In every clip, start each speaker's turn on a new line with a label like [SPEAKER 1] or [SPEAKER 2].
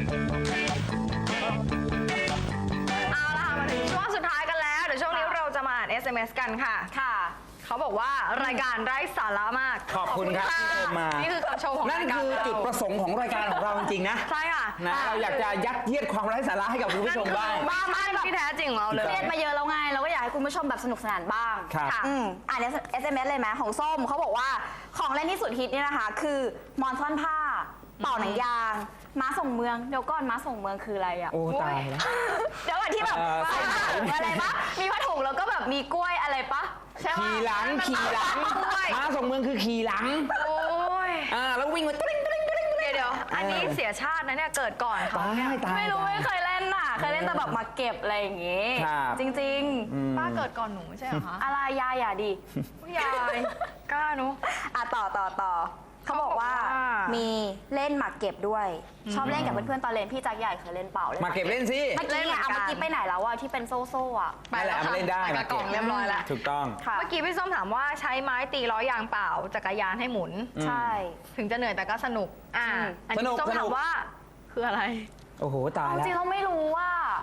[SPEAKER 1] เอาละค่ะมาถึงช่วงสุดท้ายกันแล้วเดี๋ยวช่วงนี้เราจะมาอ่าน SMS กันค่ะค่ะเขาบอกว่ารายการไร้สาระมาก
[SPEAKER 2] ขอบคุณครับที่ชมมานี่
[SPEAKER 1] คือคำชมของ
[SPEAKER 2] นั่นคือจุดประสงค์ของรายการของเราจริงๆนะ
[SPEAKER 1] ใช่ค่ะ
[SPEAKER 2] นะเราอยากจะยัดเยียดความไร้สาระให้กับคุณผู้ชมบ้าง
[SPEAKER 1] บ้านที่แท้จริงของเราเลย
[SPEAKER 3] เครียดมาเยอะแล้วไงเราก็อยากให้คุณผู้ชมแบบสนุกสนานบ้าง
[SPEAKER 2] ครับ
[SPEAKER 3] ค่ะอ่าน SMS เลยไหมของส้มเขาบอกว่าของเล่นที่สุดฮิตเนี่ยนะคะ คือหมอนซ่อนผ้าเป่าหนังยางม้าส่งเมืองเดี๋ยวก่อนม้าส่งเมืองคืออะไรอ่ะ
[SPEAKER 2] โอ้ตายแล้ว
[SPEAKER 3] เดี๋ยวก่อนที่แบบใส่ผ้าถุงอะไรปะมีผ้าถุงแล้วก็แบบมีกล้วยอะไรปะใช่ปะ
[SPEAKER 2] ขี่หลังม้าส่งเมืองคือขี่หลัง
[SPEAKER 1] โอ้ย
[SPEAKER 2] แล้ววิ่งมาตริ้ง
[SPEAKER 1] เดี๋ยวอันนี้เสียชาตินะเนี่ยเกิดก่อนเขาเนี่ย
[SPEAKER 3] ไม่รู้ไม่เคยเล่นน่ะเคยเล่นแต่แบบมาเก็บอะไรอย่างงี้ จริง
[SPEAKER 1] ป้าเกิดก่อนหนูไม่ใช่เหรอคะ
[SPEAKER 3] ๆอะไรยายอย่าดิ
[SPEAKER 1] ยายกล้าหนู
[SPEAKER 3] ต่อเขาบอกว่ามีเล่นหมากเก็บด้วย ชอบเล่นกับเพื่อนๆตอนเรียนพี่จักรใหญ่เคยเล่นเป่า
[SPEAKER 2] มาเก็บเล่นสิ
[SPEAKER 3] เมื่อกี้เอาเมื่อกี้ไปไหนแล้วอะที่เป็นโซ่ๆอะ
[SPEAKER 2] นั่นแหละมาเล่นได้
[SPEAKER 1] ไปกระกล่องเรียบร้อยแล้ว
[SPEAKER 2] ถูกต้อง
[SPEAKER 3] ค่ะ
[SPEAKER 1] เมื่อกี้พี่ส้มถามว่าใช้ไม้ตีล้อยางเปล่าจักรยานให้หมุน
[SPEAKER 3] ใช่
[SPEAKER 1] ถึงจะเหนื่อยแต่ก็สนุกอันนี้ส้มถามว่าคืออะไร
[SPEAKER 2] โอ้โหตาย
[SPEAKER 3] จ
[SPEAKER 2] แล้ว
[SPEAKER 3] ริงๆเราไม่รู้ว่า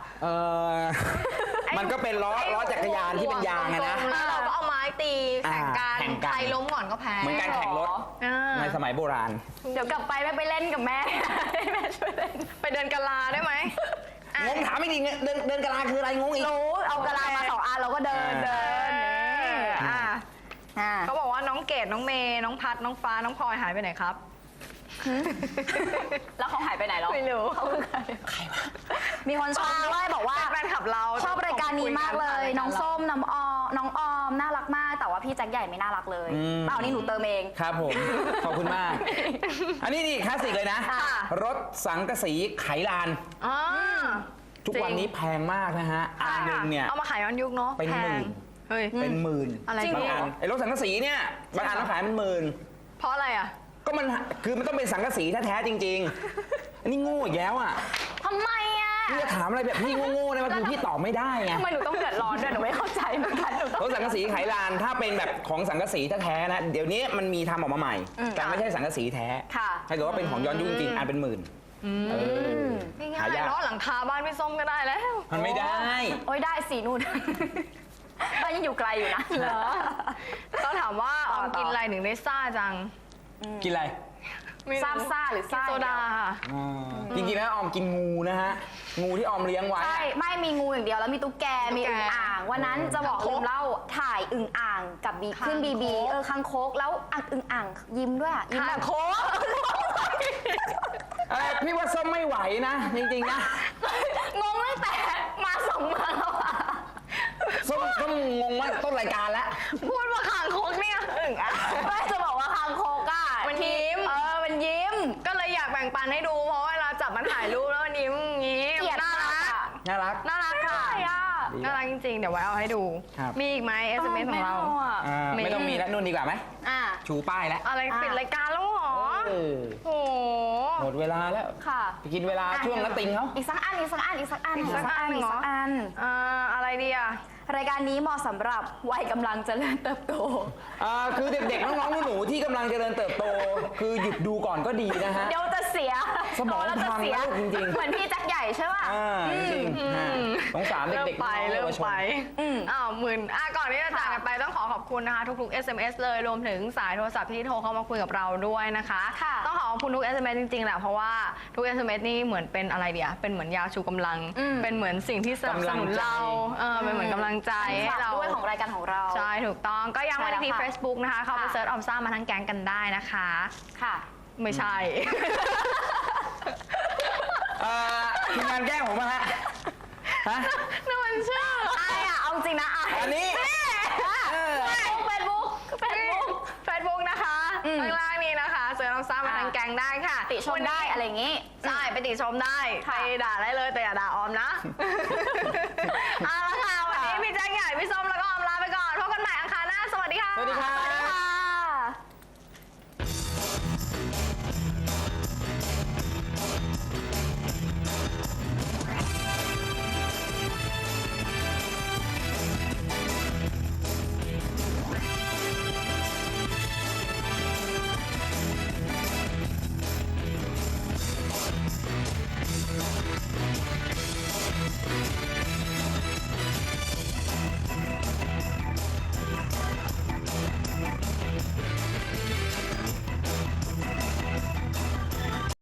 [SPEAKER 2] มันก็เป็นล้อจักรยานที่เป็นยางอะนะ
[SPEAKER 1] แล้วเราก็เอาไม้ตีแข่งกัน
[SPEAKER 2] แข่งกัน
[SPEAKER 1] ใครล้มก่อนก็แพ้
[SPEAKER 2] เหมือนการแข่งรถในสมัยโบราณ
[SPEAKER 3] เดี๋ยวกลับไปไม่ไปเล่นกับแม่ ให้แม่ช่วยเล่น
[SPEAKER 1] ไปเดินกะลาได้ไหม
[SPEAKER 2] งงถามไม่ดีเดินกะลาคืออะไรงงอีก
[SPEAKER 3] รู้เอากระลามา2 อันเราก็เดิน
[SPEAKER 1] เขาบอกว่าน้องเกดน้องเมย์น้องพัดน้องฟ้าน้องพลอยหายไปไหนครับ
[SPEAKER 3] แล้วเขาหายไปไหนแล้ว
[SPEAKER 1] ไม่รู้
[SPEAKER 3] เขาคือใครวะมีคนชมด้วยบอกว่า
[SPEAKER 1] แฟนคลับเรา
[SPEAKER 3] ชอบรายการนี้มากเลย น้องส้มน้องออมน่ารักมากแต่ว่าพี่แจ็คใหญ่ไม่น่ารักเลยเปล่านี่หนูเติมเอง
[SPEAKER 2] ครับผม ขอบคุณมาก อันนี้นี่คลาสสิกเลยนะ รถสังกะสีไขลาน ทุกวันนี้แพงมากนะฮะ อันหนึ่งเนี่ย
[SPEAKER 1] เอามาขายย้อนยุคเนาะ
[SPEAKER 2] เป็นหมื่น
[SPEAKER 1] เฮ้ย
[SPEAKER 2] เป็นหมื่น
[SPEAKER 1] อะไร
[SPEAKER 2] บางอันไอ้รถสังกะสีเนี่ยบางอันเราขายเป็นหมื่น
[SPEAKER 1] เพราะอะไรอ่ะ
[SPEAKER 2] ก็มันคือมันต้องเป็นสังกะสีแท้ๆจริงๆ อันนี้โง่อีกแล้วอ่ะ
[SPEAKER 3] ทำไมอ่ะ
[SPEAKER 2] พี่จะถามอะไรแบบพี่โง่ๆนะมันคือพี่ตอบไม่ได้ไง
[SPEAKER 3] ทำไมหนูต้องเดือดร้อนด้วยหนูไม่เข้าใจเหมือนกัน
[SPEAKER 2] รถสังกะสีไขลานถ้าเป็นแบบของสังกะสีแท้ๆนะเดี๋ยวนี้มันมีทำออกมาใหม่ แต่ไม่ใช่สังกะสีแท้
[SPEAKER 3] ค่ะ
[SPEAKER 2] ถ้าเกิดว่าเป็นของย้อนยุคจริงๆอันเป็นหมื่น
[SPEAKER 1] ง่า
[SPEAKER 2] หาย ยาก
[SPEAKER 1] ๆเนาะหลังคาบ้านพี่ส้มก็ได้แล้ว
[SPEAKER 2] มันไม่ได้
[SPEAKER 3] โอ้ยได้สีนู่น บ้านยังอยู่ไกลอยู่นะ
[SPEAKER 1] เหรอ ต้องถามว่าออมกินอะไรถึงได้ซ่าจัง
[SPEAKER 2] กินอะไร
[SPEAKER 1] ไม่รู้
[SPEAKER 3] ซ่าหรือซ่า
[SPEAKER 1] กินโซดาค่ะ
[SPEAKER 2] จริงๆแล้วออมกินงูนะฮะ งูที่ออมเลี้ยงไว้
[SPEAKER 3] ใช่ไม่มีงูอย่างเดียวแล้วมีตุ๊กแกมีอึ่งอ่างวันนั้นจะบอกลืมเล่าถ่ายอึ่งอ่างกับบีขึ้นบีคังคกแล้วอึ่งอ่างยิ้มด้วยอ่ะยิ้มแบบโค้ก
[SPEAKER 2] พี่ว่าส้มไม่ไหวนะ จริงๆนะ
[SPEAKER 3] งงตั้งแต่มาส่งเมืองแล้วอ่ะ
[SPEAKER 2] ส้มงงว่าต้นรายการแล้ว
[SPEAKER 1] พูดว่าขางคกเนี่ยอึ่งอ่ะ
[SPEAKER 3] ไม่จะบอกว่าคังคกอ่ะ
[SPEAKER 1] มันยิ้ม
[SPEAKER 3] มันยิ้ม
[SPEAKER 1] ก็เลยอยากแบ่งปันให้ดูเพราะเวลาจับมันถ่ายรูปแล้วมันยิ้มอย่างงี้
[SPEAKER 3] เกลียด
[SPEAKER 1] น่าม
[SPEAKER 3] าก
[SPEAKER 1] รัก
[SPEAKER 3] อ่ะ
[SPEAKER 2] น่ารัก
[SPEAKER 1] น่ารักค่ะ น่ารักจริงๆ เดี๋ยวไว้เอาให้ดู
[SPEAKER 2] ครับ
[SPEAKER 1] มีอีกไหม SMS ของเรา
[SPEAKER 2] ไม่ต้องมีแล้วนู่นดีกว่าไหม
[SPEAKER 3] อ่ะ
[SPEAKER 2] ชูป้ายแล้ว
[SPEAKER 1] อะไรปิดรายการแล้วเหรอ
[SPEAKER 2] เออ
[SPEAKER 1] โอ้โห
[SPEAKER 2] หมดเวลาแล้ว
[SPEAKER 3] ค่ะ
[SPEAKER 2] ไปกินเวลาช่วงนัดติงเขา
[SPEAKER 3] อีกสักอัน
[SPEAKER 1] อะไรดีอ่ะ
[SPEAKER 3] รายการนี้เหมาะสำหรับวัยกำลังเจริญเติบโต
[SPEAKER 2] คือเด็กๆ น้องๆ หนูๆ ที่กำลังเจริญเติบโต คือหยุดดูก่อนก็ดีนะฮะ
[SPEAKER 3] เดี๋ยวจะเสีย
[SPEAKER 2] สมอง
[SPEAKER 3] โตแล้วจะ
[SPEAKER 2] พัง
[SPEAKER 3] เสีย
[SPEAKER 2] แล้วจริงๆ
[SPEAKER 3] เหมือนพี่แจ็คใหญ่ใช่ป่ะ
[SPEAKER 2] จริงๆฮะสงสารเด็กๆ
[SPEAKER 1] เริ่มไป
[SPEAKER 3] อืม
[SPEAKER 1] หมื่นก่อนที่จะจากกันไปต้องขอบคุณนะคะทุกๆ SMS เลยรวมถึงสายโทรศัพท์ที่โทรเข้ามาคุยกับเราด้วยนะคะ
[SPEAKER 3] ค่ะ
[SPEAKER 1] ต้องขอบคุณทุก SMS จริงๆแหละเพราะว่าทุก SMS นี่เหมือนเป็นอะไรเดียเป็นเหมือนยาชูกำลัง เป็นเหมือนสิ่งที่สนับสนุนเราเป็นเหมือนกำลังใจให้เรา
[SPEAKER 3] ด้วยของรายการของเรา
[SPEAKER 1] ใช่ถูกต้องก็ยังไม่ได้ที่
[SPEAKER 3] ใช่แล้วค่ะ
[SPEAKER 1] Facebook นะคะเข้าไปเซิร์ชออมซ่ามาทั้งแก๊งกันได้นะคะ
[SPEAKER 3] ค่ะ
[SPEAKER 1] ไม่ใช่
[SPEAKER 2] ทีมงานแกล้งผมมาฮะ
[SPEAKER 1] นั่นมันชื่อ
[SPEAKER 3] ไอ้อะเอาจริงนะ
[SPEAKER 2] อันนี้
[SPEAKER 3] เฟซบุ๊ก
[SPEAKER 1] Facebook นะคะข้างล่างนี้นะคะเซิร์ชออมซ่ามาทั้งแก๊งได้ค่ะ
[SPEAKER 3] ติชมได้อะไรอย่างงี้
[SPEAKER 1] ใช่ไปติชมได้ไปด่าได้เลยแต่อย่าด่าออมนะ เอาละค่ะวันนี้พี่แจ๊คใหญ่พี่ส้มแล้วก็ออมลาไปก่อนพบกันใหม่อังคารหน้าสวัสดีค่ะ
[SPEAKER 2] สวัสดีครับ